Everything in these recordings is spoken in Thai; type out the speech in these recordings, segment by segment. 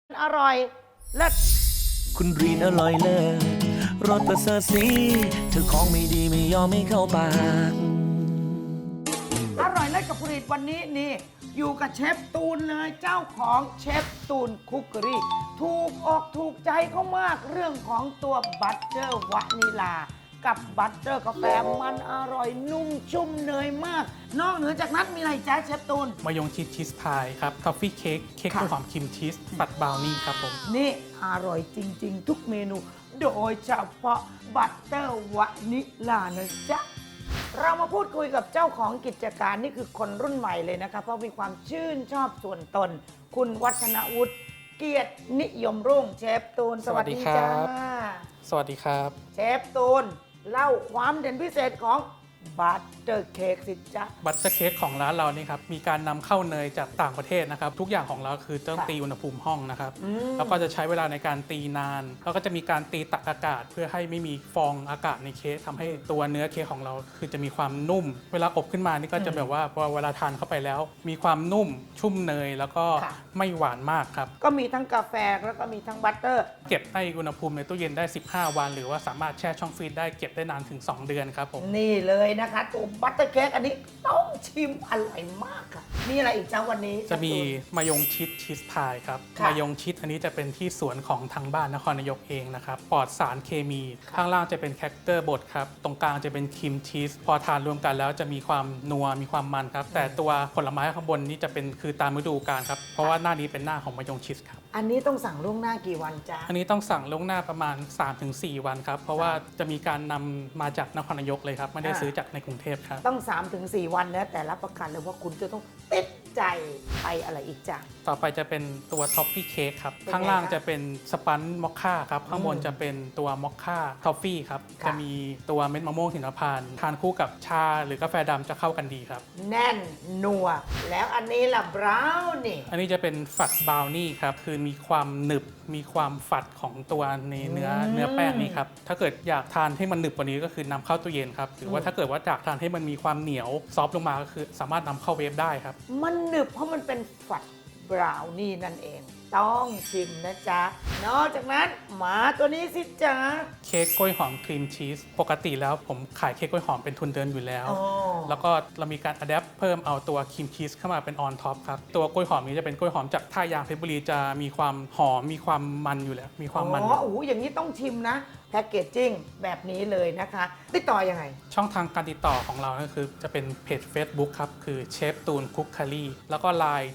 อร่อยเลิศคุณรีนอร่อยเลิศรสประเสริฐสีเธอของไม่ดีไม่ยอมไม่เข้าปากอร่อยเลิศกับผลิตวันนี้นี่อยู่กับเชฟตูนเลยเจ้าของเชฟตูนคุกเกอรี่ถูกอกถูกใจเขามากเรื่องของตัวบัตเตอร์วานิลากับบัตเตอร์กาแฟมันอร่อยนุ่มชุ่มเนยมาก นอกเหนือจากนั้นมีอะไรจ้าเชฟตูนมายงชีสพายครับทอฟฟี่เค้กกล้วยหอมครีมชีสปัดบราวนี่ครับผมนี่อร่อยจริงๆ ทุกเมนู โดยเฉพาะบัตเตอร์วานิลานะจ๊ะเรามาพูดคุยกับเจ้าของกิจการนี่คือคนรุ่นใหม่เลยนะคะเพราะมีความชื่นชอบส่วนตน คุณวัฒนวุฒิเกียรตินิยมรุ่งเชฟตูนสวัสดีจ้าสวัสดีครับเชฟตูนเล่าความเด่นพิเศษของบัตเตอร์เค้กสิจ๊ะบัตเตอร์เค้กของร้านเรานี่ครับมีการนำเข้าเนยจากต่างประเทศนะครับทุกอย่างของเราคือต้องตีอุณหภูมิห้องนะครับแล้วก็จะใช้เวลาในการตีนานแล้วก็จะมีการตีตักอากาศเพื่อให้ไม่มีฟองอากาศในเค้กทำให้ตัวเนื้อเค้กของเราคือจะมีความนุ่มเวลาอบขึ้นมานี่ก็จะแบบว่าพอเวลาทานเข้าไปแล้ว มีความนุ่มชุ่มเนยแล้วก็ไม่หวานมากครับก็มีทั้งกาแฟแล้วก็มีทั้งบัตเตอร์เก็บในอุณหภูมิในตู้เย็นได้15 วันหรือว่าสามารถแช่ช่องฟรีซได้เก็บได้นานถึง2 เดือนครับผมนี่เลยนะคะตัวบัตเตอร์เค้กอันนี้ต้องชิมอร่อยมากค่ะมีอะไรอีกจ้าวันนี้จะมีมายงชีสพายครับมายงชีสอันนี้จะเป็นที่สวนของทางบ้านนครนายกเองนะครับปลอดสารเคมีข้างล่างจะเป็นแคคเตอร์บดครับตรงกลางจะเป็นครีมชีสพอทานรวมกันแล้วจะมีความนัวมีความมันครับแต่ตัวผลไม้ข้างบนนี้จะเป็นคือตามฤดูกาลครับเพราะว่าหน้านี้เป็นหน้าของมายงชีสครับอันนี้ต้องสั่งล่วงหน้ากี่วันจ้าอันนี้ต้องสั่งล่วงหน้าประมาณ 3-4 วันครับเพราะว่าจะมีการนำมาจากนครนายกเลยครับไม่ได้ซื้อจากในกรุงเทพครับต้อง 3-4 วันนะแต่รับประกันเลยว่าคุณจะต้องติดใจไปอะไรอีกจ้ะต่อไปจะเป็นตัวท็อฟฟี่เค้กครับข้างล่างจะเป็นสปันมอคค่าครับข้างบนจะเป็นตัวมอคค่าท็อฟฟี่ครับจะมีตัวเม็ดมะม่วงหิมพานต์ทานคู่กับชาหรือกาแฟดำจะเข้ากันดีครับแน่นนัวแล้วอันนี้ล่ะบราวนี่อันนี้จะเป็นฝัดบราวนี่ครับคือมีความหนึบมีความฝัดของตัวในเนื้อแป้งนี่ครับถ้าเกิดอยากทานให้มันหนึบกว่านี้ก็คือนำเข้าตู้เย็นครับหรือว่าถ้าเกิดว่าอยากทานให้มันมีความเหนียวซอฟต์ลงมาก็คือสามารถนำเข้าเวฟได้ครับมันหนึบเพราะมันเป็นฝัดบราวนี่นั่นเองต้องชิมนะจ๊ะนอกจากนั้นมาตัวนี้สิจ๊ะเค้กกล้วยหอมครีมชีสปกติแล้วผมขายเค้กกล้วยหอมเป็นทุนเดิมอยู่แล้วแล้วก็เรามีการอัดแอปเพิ่มเอาตัวครีมชีสเข้ามาเป็นออนท็อปครับตัวกล้วยหอมนี้จะเป็นกล้วยหอมจากท่ายางเพชรบุรีจะมีความหอมมีความมันอยู่แล้วมีความมันโอ้โหอย่างนี้ต้องชิมนะแพ็กเกจจิ้งแบบนี้เลยนะคะติดต่อยังไงช่องทางการติดต่อของเราก็คือจะเป็นเพจ Facebook ครับคือเชฟตูนคุกคารีแล้วก็ Line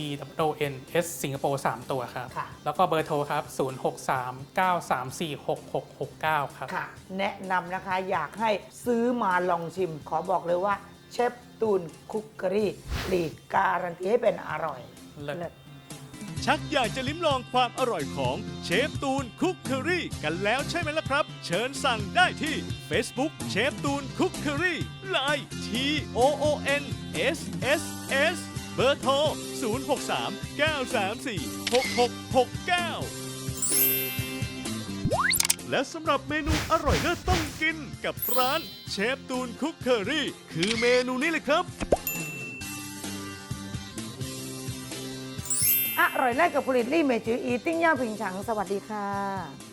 TWNS สิงคโปร์3ตัวครับแล้วก็เบอร์โทรครับ0639346669ครับค่ะแนะนำนะคะอยากให้ซื้อมาลองชิมขอบอกเลยว่าเชฟตูนคุกเกอรี่หลีดการันตีให้เป็นอร่อยเลิศชักอยากจะลิ้มลองความอร่อยของเชฟตูนคุกเคอรี่กันแล้วใช่ไหมล่ะครับ เชิญสั่งได้ที่ Facebook เชฟตูนคุกเคอรี่ Line TOONSSS เบอร์โทร 0639346669 และสำหรับเมนูอร่อยเลิศต้องกินกับร้านเชฟตูนคุกเคอรี่คือเมนูนี้เลยครับอร่อยแรกกับผลิตลี่เมจืออีติ้งย่าผิงฉังสวัสดีค่ะ